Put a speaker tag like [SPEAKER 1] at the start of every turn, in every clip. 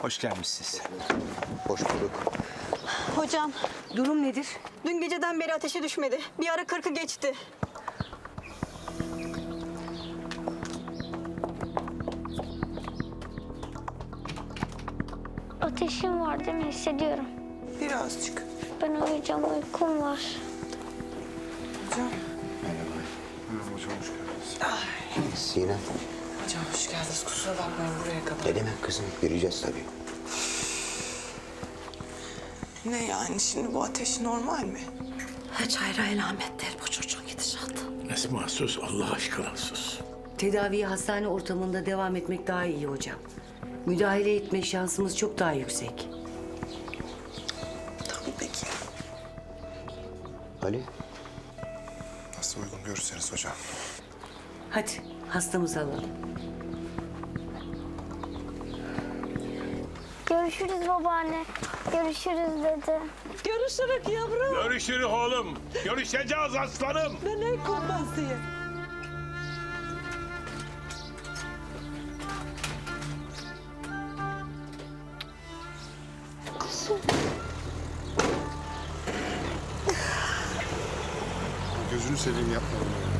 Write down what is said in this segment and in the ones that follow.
[SPEAKER 1] Hoş gelmişsiniz.
[SPEAKER 2] Hoş bulduk.
[SPEAKER 3] Hocam,
[SPEAKER 4] Durum nedir?
[SPEAKER 3] dün geceden beri ateşe düşmedi. Bir ara 40'ı geçti.
[SPEAKER 5] Ateşim var değil mi? Hissediyorum.
[SPEAKER 6] Birazcık.
[SPEAKER 5] Ben uyuyacağım, uykum var.
[SPEAKER 6] Hocam.
[SPEAKER 2] Sinem,
[SPEAKER 6] Hocam hoş geldiniz. Kusura bakmayın buraya kadar.
[SPEAKER 2] ne demek kızım? Yürüyeceğiz tabii.
[SPEAKER 6] Ne yani şimdi bu ateş normal mi?
[SPEAKER 4] Hiç hayra alamet değil bu çocuğun gidişatı.
[SPEAKER 7] Esma sus, Allah aşkına sus.
[SPEAKER 4] Tedaviye hastane ortamında devam etmek daha iyi hocam. Müdahale etme şansımız çok daha yüksek.
[SPEAKER 6] Tamam peki.
[SPEAKER 2] Ali,
[SPEAKER 8] Nasıl uygun görürseniz hocam.
[SPEAKER 4] Hadi hastamızı alalım.
[SPEAKER 5] Görüşürüz babaanne. Görüşürüz dedi.
[SPEAKER 3] Görüşürük yavrum.
[SPEAKER 7] Görüşürüz oğlum. Görüşeceğiz aslanım.
[SPEAKER 3] Ne kurbansı?
[SPEAKER 8] Gözünü seveyim yapma bunu.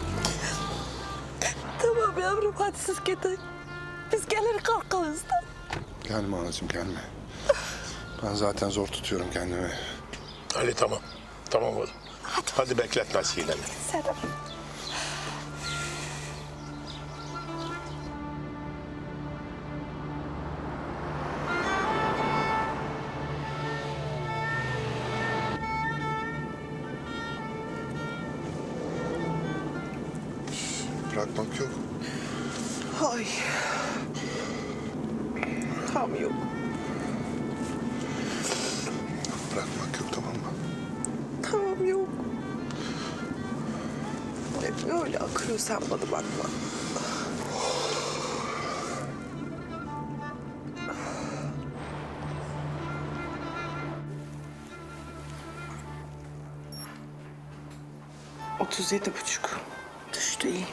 [SPEAKER 3] Tamam yavrum, hadi siz gidin. Biz gelir kalkarız da.
[SPEAKER 8] Gelme anacığım gelme. Ben zaten zor tutuyorum kendimi.
[SPEAKER 7] Hadi tamam. Tamam oğlum. Hadi bekletme Sinem'i.
[SPEAKER 3] Serap.
[SPEAKER 8] Bırakmak yok.
[SPEAKER 6] Ay. Tam yok.
[SPEAKER 8] Bırakmak yok tamam mı?
[SPEAKER 6] Tamam yok. Hep öyle akıyor, sen bana bakma. ...37,5. Düştü iyi.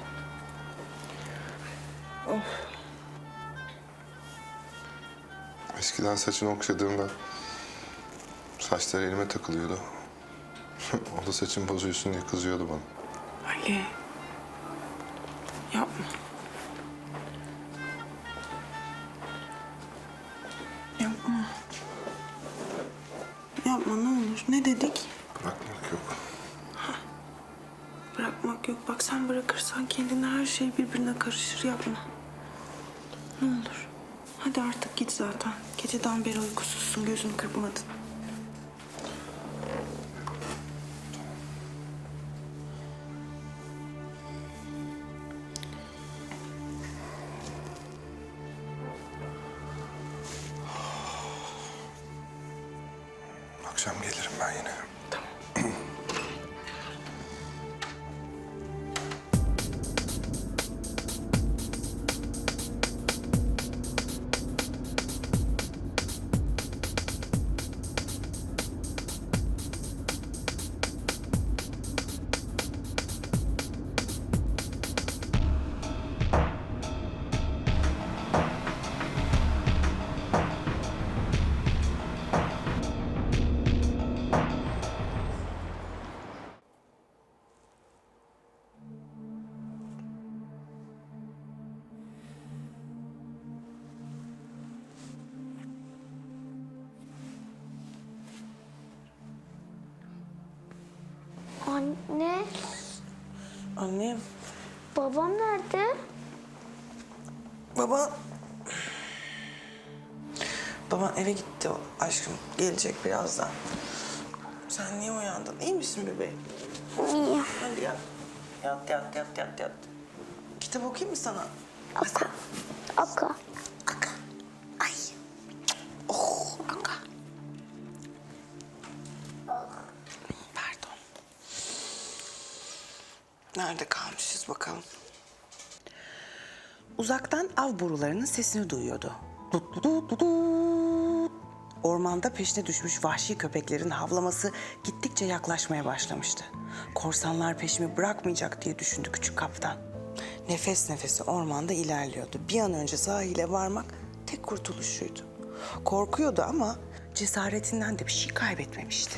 [SPEAKER 8] Eskiden saçını okşadığımda saçları elime takılıyordu. O da saçını bozuyorsun diye kızıyordu bana.
[SPEAKER 6] Ali. Yapma. Yapma. Yapma ne olur. Ne dedik?
[SPEAKER 8] Bırakmak yok.
[SPEAKER 6] Bırakmak yok. Bak sen bırakırsan kendine her şey birbirine karışır. Yapma. Ne olur. Hadi artık git zaten. Geceden beri uykusuzsun. Gözünü kırpmadın.
[SPEAKER 8] Akşam gelirim ben yine.
[SPEAKER 5] Anne,
[SPEAKER 6] Annem.
[SPEAKER 5] babam nerede?
[SPEAKER 6] Baba... Baban eve gitti aşkım. Gelecek birazdan. Sen niye uyandın? İyi misin bebeğim?
[SPEAKER 5] İyi.
[SPEAKER 6] Hadi yat. Yat. Kitap okuyayım mı sana?
[SPEAKER 5] Aka. Aka.
[SPEAKER 6] Aka. Ay. Oh, Aka. Pardon. Nerede kalmışız bakalım? Uzaktan av borularının sesini duyuyordu. Dut dut dut dut dut. Ormanda peşine düşmüş vahşi köpeklerin havlaması gittikçe yaklaşmaya başlamıştı. Korsanlar peşimi bırakmayacak diye düşündü küçük kaptan. Nefes nefese ormanda ilerliyordu. Bir an önce sahile varmak tek kurtuluşuydu. Korkuyordu ama cesaretinden de bir şey kaybetmemişti.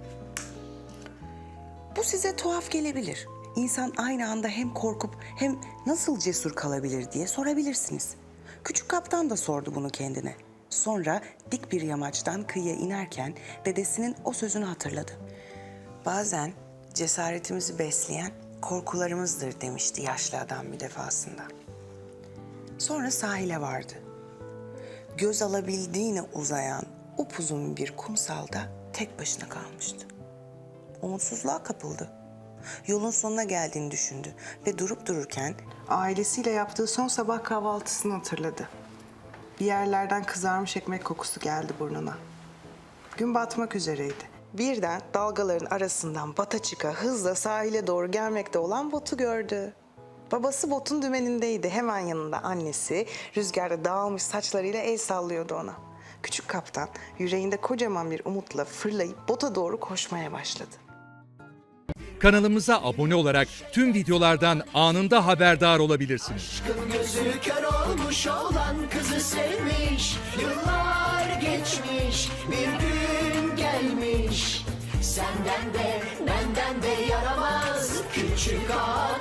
[SPEAKER 6] Bu size tuhaf gelebilir. İnsan aynı anda hem korkup hem nasıl cesur kalabilir diye sorabilirsiniz. Küçük kaptan da sordu bunu kendine. Sonra dik bir yamaçtan kıyıya inerken dedesinin o sözünü hatırladı. Bazen cesaretimizi besleyen korkularımızdır demişti yaşlı adam bir defasında. Sonra sahile vardı. Göz alabildiğine uzayan upuzun bir kumsalda tek başına kalmıştı. Umutsuzluğa kapıldı. Yolun sonuna geldiğini düşündü ve durup dururken ailesiyle yaptığı son sabah kahvaltısını hatırladı. Bir yerlerden kızarmış ekmek kokusu geldi burnuna. Gün batmak üzereydi. Birden dalgaların arasından bata çıka hızla sahile doğru gelmekte olan botu gördü. Babası botun dümenindeydi. Hemen yanında annesi rüzgarda dağılmış saçlarıyla el sallıyordu ona. Küçük kaptan yüreğinde kocaman bir umutla fırlayıp bota doğru koşmaya başladı.
[SPEAKER 1] Kanalımıza abone olarak tüm videolardan anında haberdar olabilirsiniz.
[SPEAKER 9] Gözü kör olmuş olan kızı sevmiş. Yıllar geçmiş, bir gün gelmiş. Senden de benden de yaramaz küçük ağa.